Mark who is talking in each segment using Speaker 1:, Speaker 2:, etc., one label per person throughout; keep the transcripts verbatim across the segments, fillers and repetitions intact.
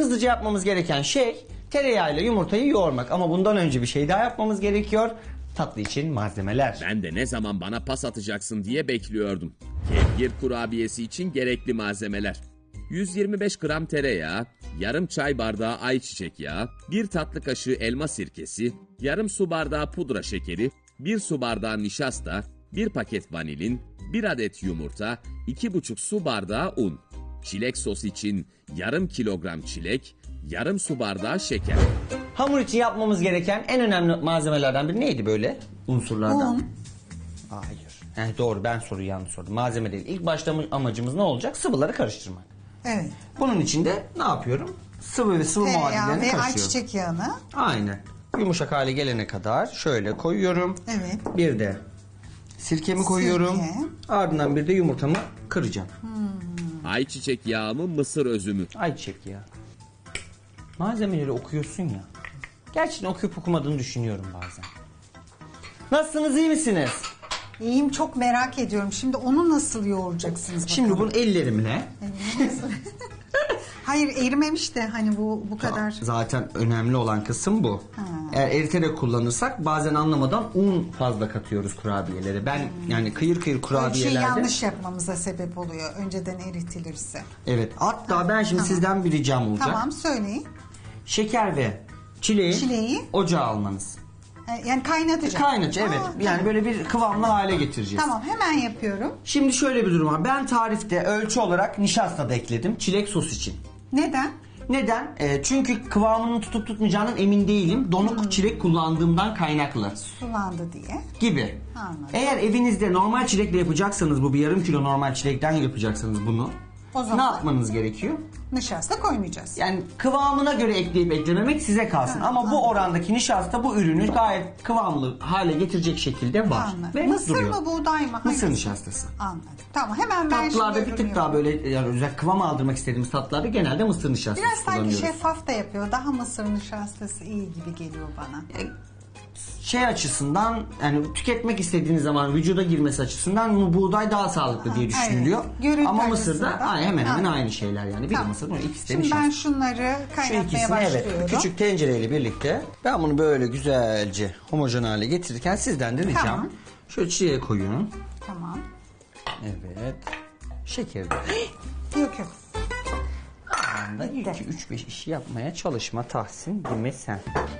Speaker 1: hızlıca yapmamız gereken şey tereyağıyla yumurtayı yoğurmak. Ama bundan önce bir şey daha yapmamız gerekiyor. Tatlı için malzemeler.
Speaker 2: Ben de ne zaman bana pas atacaksın diye bekliyordum. Kevgir kurabiyesi için gerekli malzemeler. yüz yirmi beş gram tereyağı, yarım çay bardağı ayçiçek yağı, bir tatlı kaşığı elma sirkesi, yarım su bardağı pudra şekeri, bir su bardağı nişasta, bir paket vanilin, bir adet yumurta, iki buçuk su bardağı un. Çilek sos için yarım kilogram çilek, yarım su bardağı şeker.
Speaker 1: Hamur için yapmamız gereken en önemli malzemelerden biri neydi böyle unsurlardan?
Speaker 3: Un.
Speaker 1: Hayır. Heh, doğru, ben soruyu yanlış sordum. Malzeme değil. İlk başta amacımız ne olacak? Sıvıları karıştırmak.
Speaker 3: Evet.
Speaker 1: Bunun için de ne yapıyorum? Sıvı ve sıvı
Speaker 3: Tereyağı
Speaker 1: muadillerini
Speaker 3: ve
Speaker 1: karıştırıyorum.
Speaker 3: ayçiçek yağını.
Speaker 1: Aynen. Yumuşak hale gelene kadar şöyle koyuyorum.
Speaker 3: Evet.
Speaker 1: Bir de sirkemi koyuyorum.
Speaker 3: Sirke.
Speaker 1: Ardından bir de yumurtamı kıracağım.
Speaker 2: Ayçiçek yağı mı, mısır özü mü?
Speaker 1: Ayçiçek ya. Malzemeleri okuyorsun ya. Gerçekten okuyup okumadığını düşünüyorum bazen. Nasılsınız, iyi misiniz?
Speaker 3: İyiyim, çok merak ediyorum. Şimdi onu nasıl yoğuracaksınız bakalım?
Speaker 1: Şimdi bunu ellerimle.
Speaker 3: Hayır, erimemiş de hani bu bu kadar.
Speaker 1: Zaten önemli olan kısım bu.
Speaker 3: Ha.
Speaker 1: Eğer eriterek kullanırsak bazen anlamadan un fazla katıyoruz kurabiyelere. Ben
Speaker 3: Hmm.
Speaker 1: yani kıyır kıyır
Speaker 3: Ölçüyü
Speaker 1: kurabiyelerde.
Speaker 3: yanlış yapmamıza sebep oluyor. Önceden eritilirse.
Speaker 1: Evet. Hatta ben şimdi
Speaker 3: Tamam.
Speaker 1: sizden bir ricam olacak.
Speaker 3: Tamam, söyleyin.
Speaker 1: Şeker ve çileği,
Speaker 3: Çileği.
Speaker 1: ocağa almanız.
Speaker 3: Ha, Yani kaynatacağım.
Speaker 1: Kaynatı, evet.
Speaker 3: Aa,
Speaker 1: Yani
Speaker 3: tamam.
Speaker 1: böyle bir kıvamlı hale getireceğiz.
Speaker 3: Tamam, hemen yapıyorum.
Speaker 1: Şimdi şöyle bir durum var. Ben tarifte ölçü olarak nişasta da ekledim. Çilek sos için.
Speaker 3: Neden?
Speaker 1: Neden? Ee, çünkü kıvamının tutup tutmayacağından emin değilim. Donuk
Speaker 3: Hmm.
Speaker 1: çilek kullandığımdan kaynaklı.
Speaker 3: Sulandı diye.
Speaker 1: Gibi.
Speaker 3: Anladım.
Speaker 1: Eğer evinizde normal çilekle yapacaksanız, bu bir yarım kilo normal çilekten yapacaksanız bunu.
Speaker 3: O zaman-
Speaker 1: ne yapmanız gerekiyor?
Speaker 3: Nişasta koymayacağız.
Speaker 1: Yani kıvamına göre ekleyip eklememek size kalsın.
Speaker 3: Ha,
Speaker 1: Ama bu
Speaker 3: anladım.
Speaker 1: orandaki nişasta bu ürünü gayet kıvamlı hale getirecek şekilde var.
Speaker 3: Anladım.
Speaker 1: Ve
Speaker 3: Mısır
Speaker 1: duruyor.
Speaker 3: mı, buğday mı?
Speaker 1: Mısır
Speaker 3: Hangisi?
Speaker 1: nişastası.
Speaker 3: Anladım. Tamam, hemen ben
Speaker 1: Tatlılarda
Speaker 3: şimdi
Speaker 1: bir tık
Speaker 3: ürünü
Speaker 1: daha böyle yani özel kıvam aldırmak istediğimiz tatlılarda genelde mısır nişastası
Speaker 3: Biraz sanki
Speaker 1: kullanıyoruz.
Speaker 3: şeffaf da yapıyor. Daha mısır nişastası iyi gibi geliyor bana.
Speaker 1: Şey açısından, yani tüketmek istediğiniz zaman vücuda girmesi açısından bu buğday daha sağlıklı diye
Speaker 3: Ha,
Speaker 1: düşünülüyor.
Speaker 3: evet. Görüntü
Speaker 1: Ama mısırda
Speaker 3: açısından.
Speaker 1: ay, hemen hemen
Speaker 3: Ha.
Speaker 1: aynı şeyler yani. Bir
Speaker 3: Tamam.
Speaker 1: mısır, bu ikisi de
Speaker 3: Şimdi
Speaker 1: nişasta.
Speaker 3: ben şunları
Speaker 1: Şu
Speaker 3: kaynatmaya
Speaker 1: ikisini,
Speaker 3: başlıyorum.
Speaker 1: evet, küçük tencereyle birlikte ben bunu böyle güzelce homojen hale getirirken sizden de ricam
Speaker 3: Tamam.
Speaker 1: şöyle çiğe koyun.
Speaker 3: Tamam.
Speaker 1: Evet. Şekeri de.
Speaker 3: Yok yok.
Speaker 1: Anda
Speaker 3: Bitti.
Speaker 1: iki üç beş işi yapmaya çalışma Tahsin, değil mi sen?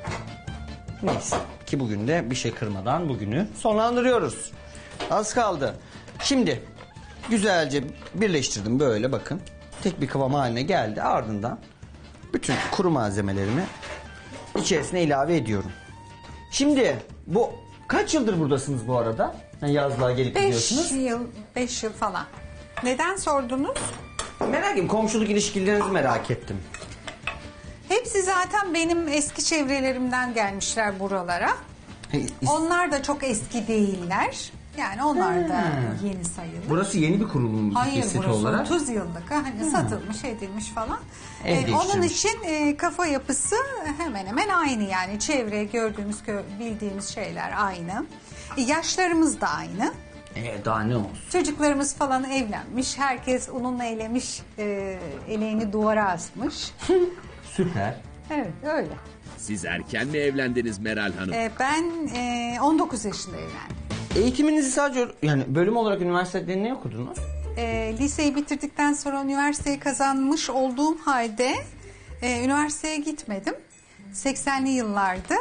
Speaker 1: Neyse ki bugün de bir şey kırmadan bugünü sonlandırıyoruz. Az kaldı. Şimdi güzelce birleştirdim böyle, bakın. Tek bir kıvam haline geldi. Ardından bütün kuru malzemelerimi içerisine ilave ediyorum. Şimdi bu kaç yıldır buradasınız bu arada? Yani yazlığa gelip
Speaker 3: Beş
Speaker 1: gidiyorsunuz.
Speaker 3: yıl, beş yıl falan. Neden sordunuz?
Speaker 1: Merak ettim, komşuluk ilişkilerinizi merak ettim.
Speaker 3: Hepsi zaten benim eski çevrelerimden gelmişler buralara.
Speaker 1: Hey, is-
Speaker 3: Onlar da çok eski değiller. Yani onlar da yeni sayılır.
Speaker 1: Burası yeni bir kurulum
Speaker 3: Hayır,
Speaker 1: seti
Speaker 3: burası
Speaker 1: olarak.
Speaker 3: otuz yıllık. Hani satılmış, edilmiş falan.
Speaker 1: Ev
Speaker 3: Ee, onun
Speaker 1: değiştirmiş.
Speaker 3: için e, kafa yapısı hemen hemen aynı yani. Çevre, gördüğümüz, gö- bildiğimiz şeyler aynı. E, yaşlarımız da aynı.
Speaker 1: Ee, daha ne olsun?
Speaker 3: Çocuklarımız falan evlenmiş. Herkes onunla eylemiş, e, eleğini duvara asmış.
Speaker 1: Süper.
Speaker 3: Evet, öyle.
Speaker 2: Siz erken mi evlendiniz Meral Hanım?
Speaker 3: E, ben e, on dokuz yaşında evlendim.
Speaker 1: Eğitiminizi sadece yani bölüm olarak üniversitede ne okudunuz?
Speaker 3: E, liseyi bitirdikten sonra üniversiteyi kazanmış olduğum halde e, üniversiteye gitmedim. seksenli yıllardı.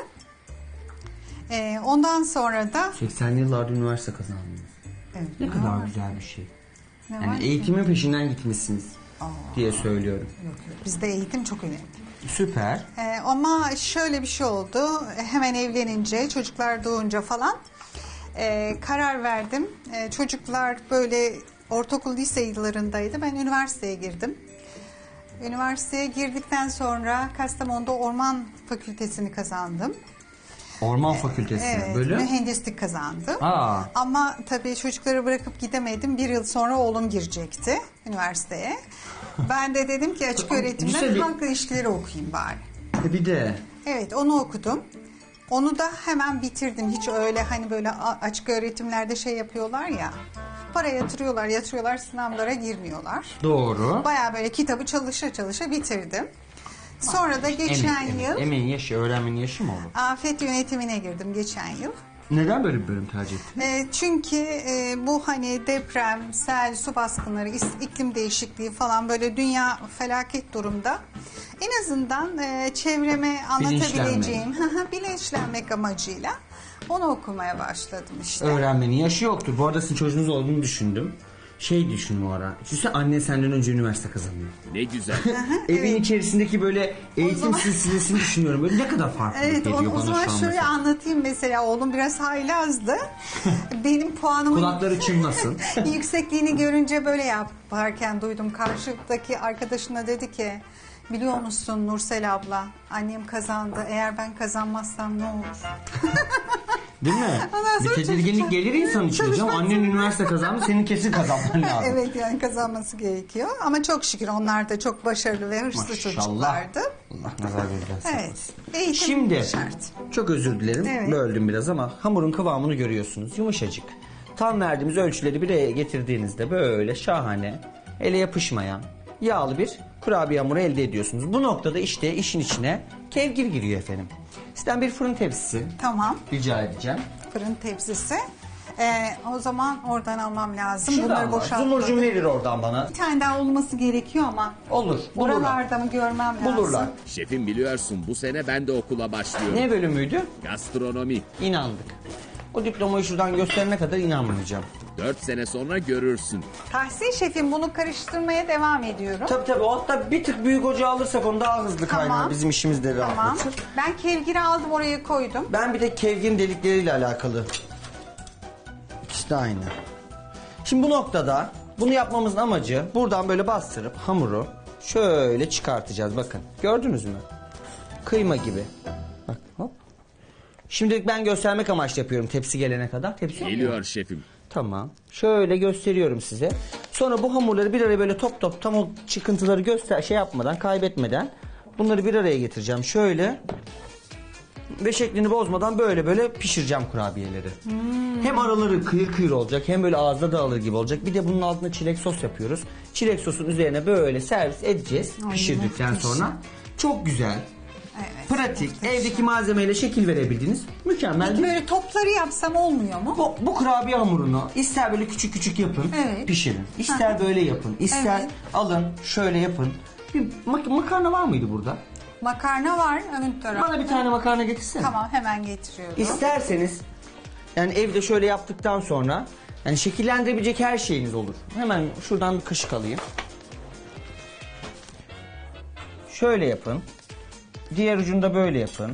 Speaker 3: E, ondan sonra da
Speaker 1: seksenli yıllarda üniversite kazandınız.
Speaker 3: evet,
Speaker 1: Ne
Speaker 3: ne
Speaker 1: kadar
Speaker 3: var?
Speaker 1: güzel bir şey.
Speaker 3: Ne var
Speaker 1: Yani
Speaker 3: ki?
Speaker 1: eğitimin peşinden gitmişsiniz diye söylüyorum.
Speaker 3: Yok, yok. Bizde eğitim çok önemli.
Speaker 1: Süper.
Speaker 3: Ee, ama şöyle bir şey oldu. Hemen evlenince, çocuklar doğunca falan e, karar verdim. E, çocuklar böyle ortaokul, lise yıllarındaydı. Ben üniversiteye girdim. Üniversiteye girdikten sonra Kastamonu'da Orman Fakültesini kazandım.
Speaker 1: Orman Fakültesi
Speaker 3: Evet,
Speaker 1: böyle.
Speaker 3: mühendislik kazandım.
Speaker 1: Aa.
Speaker 3: Ama tabii çocukları bırakıp gidemedim. Bir yıl sonra oğlum girecekti üniversiteye. Ben de dedim ki açık öğretimden
Speaker 1: Liseli-
Speaker 3: halk ilişkileri okuyayım bari.
Speaker 1: E bir de
Speaker 3: Evet, onu okudum. Onu da hemen bitirdim. Hiç öyle hani böyle a- açık öğretimlerde şey yapıyorlar ya. Para yatırıyorlar, yatırıyorlar, sınavlara girmiyorlar.
Speaker 1: doğru.
Speaker 3: Bayağı böyle kitabı çalışa çalışa bitirdim. Sonra da geçen
Speaker 1: Emek, emek.
Speaker 3: yıl
Speaker 1: Emeğin yaşı, öğrenmenin yaşı mı olur?
Speaker 3: afet yönetimine girdim geçen yıl.
Speaker 1: Neden böyle bir bölüm tercih ettin?
Speaker 3: E, çünkü e, bu hani deprem, sel, su baskınları, is- iklim değişikliği falan böyle dünya felaket durumda. En azından e, çevreme anlatabileceğim, bilinçlenmek amacıyla onu okumaya başladım işte.
Speaker 1: Öğrenmenin yaşı yoktur. Bu arada sizin çocuğunuz olduğunu düşündüm. Şey düşün bu ara. Düşünsene anne senden önce üniversite kazanıyor.
Speaker 2: Ne güzel.
Speaker 1: Evin içerisindeki böyle eğitim silsilesini düşünüyorum. Böyle ne kadar farklı
Speaker 3: Evet,
Speaker 1: geliyor
Speaker 3: onu, o
Speaker 1: bana
Speaker 3: zaman
Speaker 1: şu an
Speaker 3: şöyle
Speaker 1: mesela.
Speaker 3: anlatayım mesela. Oğlum biraz haylazdı. Benim puanımın
Speaker 1: Kulakları çınlasın.
Speaker 3: yüksekliğini görünce böyle yaparken duydum. Karşıdaki arkadaşına dedi ki, biliyor musun Nursel abla, annem kazandı. Eğer ben kazanmazsam ne olur?
Speaker 1: Değil mi?
Speaker 3: Ondan
Speaker 1: Bir
Speaker 3: sonra
Speaker 1: tedirginlik
Speaker 3: çocuklar-
Speaker 1: gelir insan içine. Canım,
Speaker 3: Çalışmak
Speaker 1: annen üniversite kazandı, senin kesin kazanman lazım.
Speaker 3: Evet, yani kazanması gerekiyor. Ama çok şükür onlar da çok başarılı ve hırslı
Speaker 1: Maşallah.
Speaker 3: çocuklardı.
Speaker 1: Allah nazar gözden saklasın.
Speaker 3: Evet. Eğitim
Speaker 1: Şimdi
Speaker 3: şart.
Speaker 1: çok özür dilerim,
Speaker 3: Evet.
Speaker 1: böldüm biraz ama hamurun kıvamını görüyorsunuz, yumuşacık. Tam verdiğimiz ölçüleri bir araya getirdiğinizde böyle şahane, ele yapışmayan, yağlı bir kurabiye hamuru elde ediyorsunuz. Bu noktada işte işin içine kevgir giriyor efendim. Sizden bir fırın tepsisi
Speaker 3: Tamam.
Speaker 1: rica edeceğim.
Speaker 3: Fırın tepsisi. Ee, o zaman oradan almam lazım.
Speaker 1: Şuradan
Speaker 3: Bunları
Speaker 1: var.
Speaker 3: boşaltmadım.
Speaker 1: Zumurcuğum verir oradan bana.
Speaker 3: Bir tane daha olması gerekiyor ama.
Speaker 1: Olur, bulurlar.
Speaker 3: Buralarda mı görmem lazım?
Speaker 1: Bulurlar.
Speaker 2: Şefim biliyorsun bu sene ben de okula başlıyorum.
Speaker 1: Ne bölümüydü?
Speaker 2: Gastronomi.
Speaker 1: İnandık. O diplomayı şuradan gösterene kadar inanmayacağım.
Speaker 2: Dört sene sonra görürsün.
Speaker 3: Tahsin şefim, bunu karıştırmaya devam ediyorum.
Speaker 1: Tabii tabii, o hatta bir tık büyük ocağı alırsak onu daha hızlı
Speaker 3: Tamam.
Speaker 1: kaynar. Bizim işimiz de
Speaker 3: Tamam.
Speaker 1: rahatlatır.
Speaker 3: Ben kevgiri aldım, oraya koydum.
Speaker 1: Ben bir de kevgirin delikleriyle alakalı. İkisi de aynı. Şimdi bu noktada bunu yapmamızın amacı buradan böyle bastırıp hamuru şöyle çıkartacağız. Bakın, gördünüz mü? Kıyma gibi. Bak, hop. Şimdilik ben göstermek amaçlı yapıyorum tepsi gelene kadar. Tepsi yok mu?
Speaker 2: Geliyor şefim.
Speaker 1: Tamam. Şöyle gösteriyorum size. Sonra bu hamurları bir araya böyle top top, tam o çıkıntıları göster şey yapmadan, kaybetmeden bunları bir araya getireceğim. Şöyle ve şeklini bozmadan böyle böyle pişireceğim kurabiyeleri. Hem araları kıyır kıyır olacak, hem böyle ağızda dağılır gibi olacak. Bir de bunun altına çilek sos yapıyoruz. Çilek sosun üzerine böyle servis edeceğiz
Speaker 3: Ay,
Speaker 1: pişirdikten
Speaker 3: muhteşem.
Speaker 1: sonra. Çok güzel,
Speaker 3: Evet.
Speaker 1: pratik,
Speaker 3: Muhteşem.
Speaker 1: evdeki malzemeyle şekil verebildiğiniz mükemmel
Speaker 3: Peki
Speaker 1: bir...
Speaker 3: böyle topları yapsam olmuyor mu?
Speaker 1: Bu, bu kurabiye hamurunu ister böyle küçük küçük yapın,
Speaker 3: Evet.
Speaker 1: pişirin. İster böyle yapın, ister
Speaker 3: Evet.
Speaker 1: alın şöyle yapın. Bir mak- makarna var mıydı burada?
Speaker 3: Makarna var ön tarafta.
Speaker 1: Bana bir tane makarna getirsene.
Speaker 3: Tamam, hemen getiriyorum.
Speaker 1: İsterseniz yani evde şöyle yaptıktan sonra yani şekillendirebilecek her şeyiniz olur. Hemen şuradan bir kaşık alayım. Şöyle yapın. Diğer ucunda böyle yapın.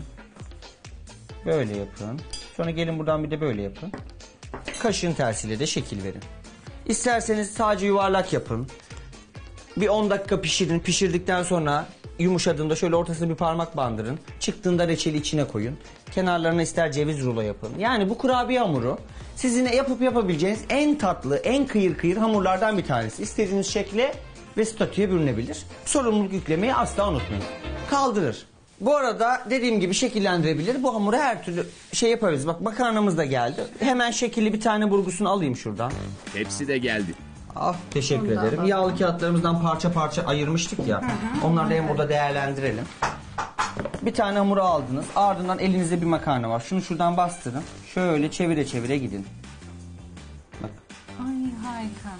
Speaker 1: Böyle yapın. Sonra gelin buradan bir de böyle yapın. Kaşığın tersiyle de şekil verin. İsterseniz sadece yuvarlak yapın. Bir on dakika pişirin. Pişirdikten sonra yumuşadığında şöyle ortasına bir parmak bandırın. Çıktığında reçeli içine koyun. Kenarlarına ister ceviz rulo yapın. Yani bu kurabiye hamuru sizin yapıp yapabileceğiniz en tatlı, en kıyır kıyır hamurlardan bir tanesi. İstediğiniz şekle ve statüye bürünebilir. Sorumluluk yüklemeyi asla unutmayın. Kaldırır. Bu arada dediğim gibi şekillendirebilir. Bu hamuru her türlü şey yaparız. Bak, makarnamız da geldi. Hemen şekilli bir tane burgusunu alayım şuradan.
Speaker 2: Hepsi de geldi.
Speaker 1: Ah, teşekkür
Speaker 3: Ondan
Speaker 1: ederim.
Speaker 3: bak.
Speaker 1: Yağlı kağıtlarımızdan parça parça ayırmıştık ya. Onları da hem burada değerlendirelim. Bir tane hamuru aldınız. Ardından elinizde bir makarna var. Şunu şuradan bastırın. Şöyle çevire çevire gidin. Bak,
Speaker 3: Ay, harika.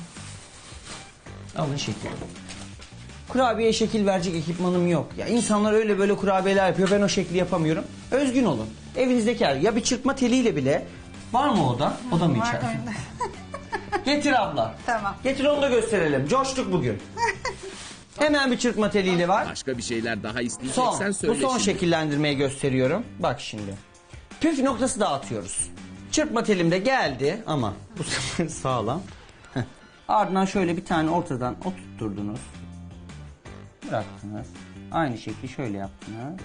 Speaker 1: alın şekil. Kurabiyeye şekil verecek ekipmanım yok. Ya insanlar öyle böyle kurabiyeler yapıyor. Ben o şekli yapamıyorum. Özgün olun. Evinizdeki her ya bir çırpma teliyle bile var mı o da? O da mı
Speaker 3: Var
Speaker 1: içersin?
Speaker 3: önde.
Speaker 1: Getir abla.
Speaker 3: Tamam.
Speaker 1: Getir, onu da gösterelim. Coştuk bugün. Hemen bir çırpma teliyle var.
Speaker 2: Başka bir şeyler daha isteyeceksen
Speaker 1: Son.
Speaker 2: söyle
Speaker 1: Bu son
Speaker 2: şimdi.
Speaker 1: şekillendirmeyi gösteriyorum. Bak şimdi. Püf noktası dağıtıyoruz. Çırpma telim de geldi ama bu sefer sağlam. Heh. Ardından şöyle bir tane ortadan oturtturdunuz. Bıraktınız. Aynı şekli şöyle yaptınız.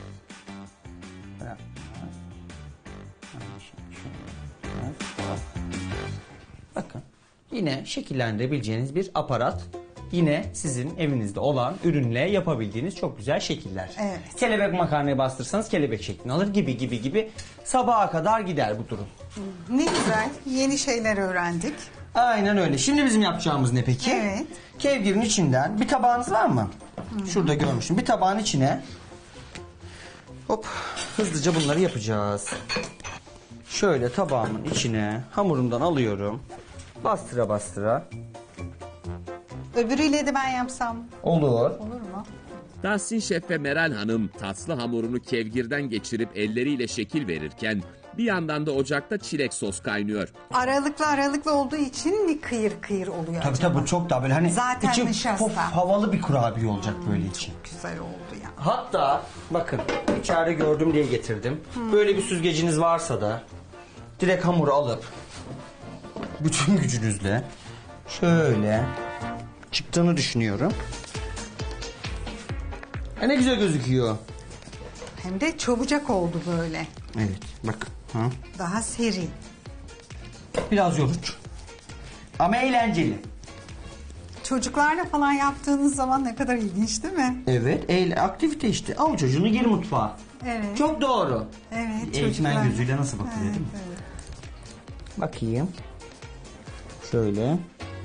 Speaker 1: Bıraktınız. Aynı şekli şöyle yaptınız. Bakın. Yine şekillendirebileceğiniz bir aparat. Yine sizin evinizde olan ürünle yapabildiğiniz çok güzel şekiller.
Speaker 3: Evet.
Speaker 1: Kelebek makarnayı bastırsanız kelebek şeklini alır gibi gibi gibi. Sabaha kadar gider bu durum.
Speaker 3: Ne güzel. Yeni şeyler öğrendik.
Speaker 1: Aynen öyle. Şimdi bizim yapacağımız ne peki?
Speaker 3: Evet.
Speaker 1: Kevgirin içinden bir tabağınız var mı? Şurada görmüştüm. Bir tabağın içine Hop, hızlıca bunları yapacağız. Şöyle tabağımın içine hamurumdan alıyorum. Bastıra bastıra.
Speaker 3: Öbürüyle de ben yapsam
Speaker 1: Olur.
Speaker 3: olur mu?
Speaker 2: Tahsin Şef ve Meral Hanım tatlı hamurunu kevgirden geçirip elleriyle şekil verirken bir yandan da ocakta çilek sos kaynıyor.
Speaker 3: Aralıklı aralıklı olduğu için ne kıyır kıyır oluyor
Speaker 1: Tabii
Speaker 3: acaba?
Speaker 1: tabii bu çok daha böyle hani
Speaker 3: Zaten
Speaker 1: içi
Speaker 3: nişasta.
Speaker 1: pof, havalı bir kurabiye olacak böyle içi.
Speaker 3: Güzel oldu ya.
Speaker 1: Hatta bakın bir çare gördüm diye getirdim. Böyle bir süzgeciniz varsa da direkt hamuru alıp bütün gücünüzle şöyle çıktığını düşünüyorum. E ne güzel gözüküyor.
Speaker 3: Hem de çabucak oldu böyle.
Speaker 1: Evet bak. Ha.
Speaker 3: Daha seri.
Speaker 1: Biraz yorucu. Ama eğlenceli.
Speaker 3: Çocuklarla falan yaptığınız zaman ne kadar ilginç değil mi?
Speaker 1: Evet, eğle, aktivite işte. Al çocuğunu gir mutfağa.
Speaker 3: Evet.
Speaker 1: Çok doğru.
Speaker 3: Evet.
Speaker 1: Eğitmen
Speaker 3: çocuklar-
Speaker 1: gözüyle nasıl bakılıyor
Speaker 3: Evet,
Speaker 1: değil mi?
Speaker 3: evet.
Speaker 1: Bakayım. Şöyle.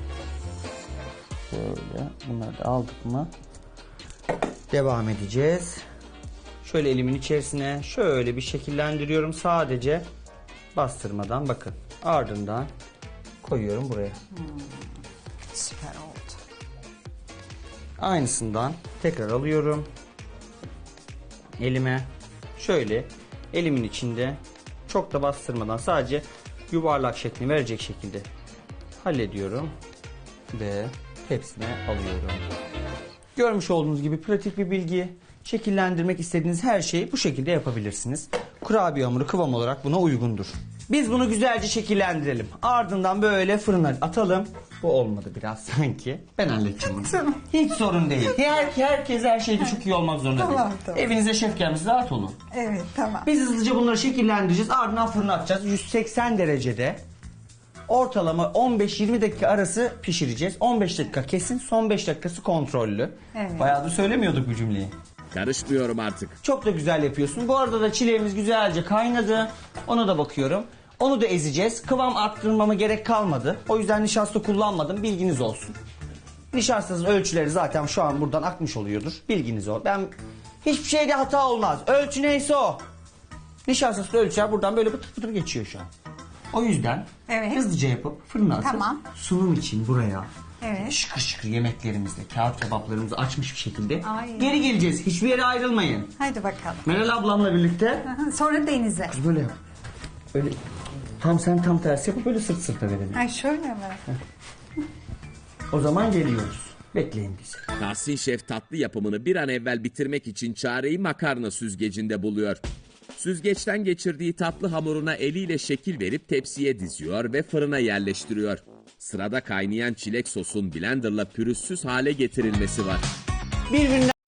Speaker 1: Şöyle. Bunları da aldık mı? Devam edeceğiz. Şöyle elimin içerisine şöyle bir şekillendiriyorum. Sadece bastırmadan bakın. Ardından koyuyorum buraya.
Speaker 3: Süper oldu.
Speaker 1: Aynısından tekrar alıyorum. Elime şöyle elimin içinde çok da bastırmadan sadece yuvarlak şeklini verecek şekilde hallediyorum ve tepsime alıyorum. Görmüş olduğunuz gibi pratik bir bilgi. Şekillendirmek istediğiniz her şeyi bu şekilde yapabilirsiniz. Kurabiye hamuru kıvam olarak buna uygundur. Biz bunu güzelce şekillendirelim. Ardından böyle fırına atalım. Bu olmadı biraz sanki. Ben halledeceğim bunu.
Speaker 3: Tamam.
Speaker 1: Hiç sorun değil. Her, herkes her şeyde çok iyi olmak zorunda
Speaker 3: Tamam,
Speaker 1: değil.
Speaker 3: tamam.
Speaker 1: Evinize şef gelmiş, rahat olun.
Speaker 3: Evet tamam.
Speaker 1: Biz hızlıca bunları şekillendireceğiz. Ardından fırına atacağız. yüz seksen derecede ortalama on beş yirmi dakika arası pişireceğiz. on beş dakika kesin, son beş dakikası kontrollü.
Speaker 3: Evet.
Speaker 1: Bayağıdır söylemiyorduk bu cümleyi.
Speaker 2: Karışmıyorum artık.
Speaker 1: Çok da güzel yapıyorsun. Bu arada da çileğimiz güzelce kaynadı. Ona da bakıyorum. Onu da ezeceğiz. Kıvam arttırmama gerek kalmadı. O yüzden nişasta kullanmadım. Bilginiz olsun. Nişastasının ölçüleri zaten şu an buradan akmış oluyordur. Bilginiz ol. Ben hiçbir şeyde hata olmaz. Ölçü neyse o. Nişastasının ölçüler buradan böyle pıtır pıtır geçiyor şu an. O yüzden
Speaker 3: Evet.
Speaker 1: hızlıca yapıp fırına atıp
Speaker 3: Tamam.
Speaker 1: sunum için buraya
Speaker 3: Evet.
Speaker 1: şıkır şıkır yemeklerimizle, kağıt kebaplarımızı açmış bir şekilde
Speaker 3: Ay.
Speaker 1: geri geleceğiz. Hiçbir yere ayrılmayın.
Speaker 3: Hadi bakalım.
Speaker 1: Meral ablamla birlikte
Speaker 3: Aha, sonra denize.
Speaker 1: böyle yap. Öyle tam sen tam tersi yapıp böyle sırt sırta verelim.
Speaker 3: Ay şöyle mi?
Speaker 1: O zaman geliyoruz. Bekleyin bizi.
Speaker 2: Tahsin Şef tatlı yapımını bir an evvel bitirmek için çareyi makarna süzgecinde buluyor. Süzgeçten geçirdiği tatlı hamuruna eliyle şekil verip tepsiye diziyor ve fırına yerleştiriyor. Sırada kaynayan çilek sosun blenderla pürüzsüz hale getirilmesi var.
Speaker 1: Birbirinden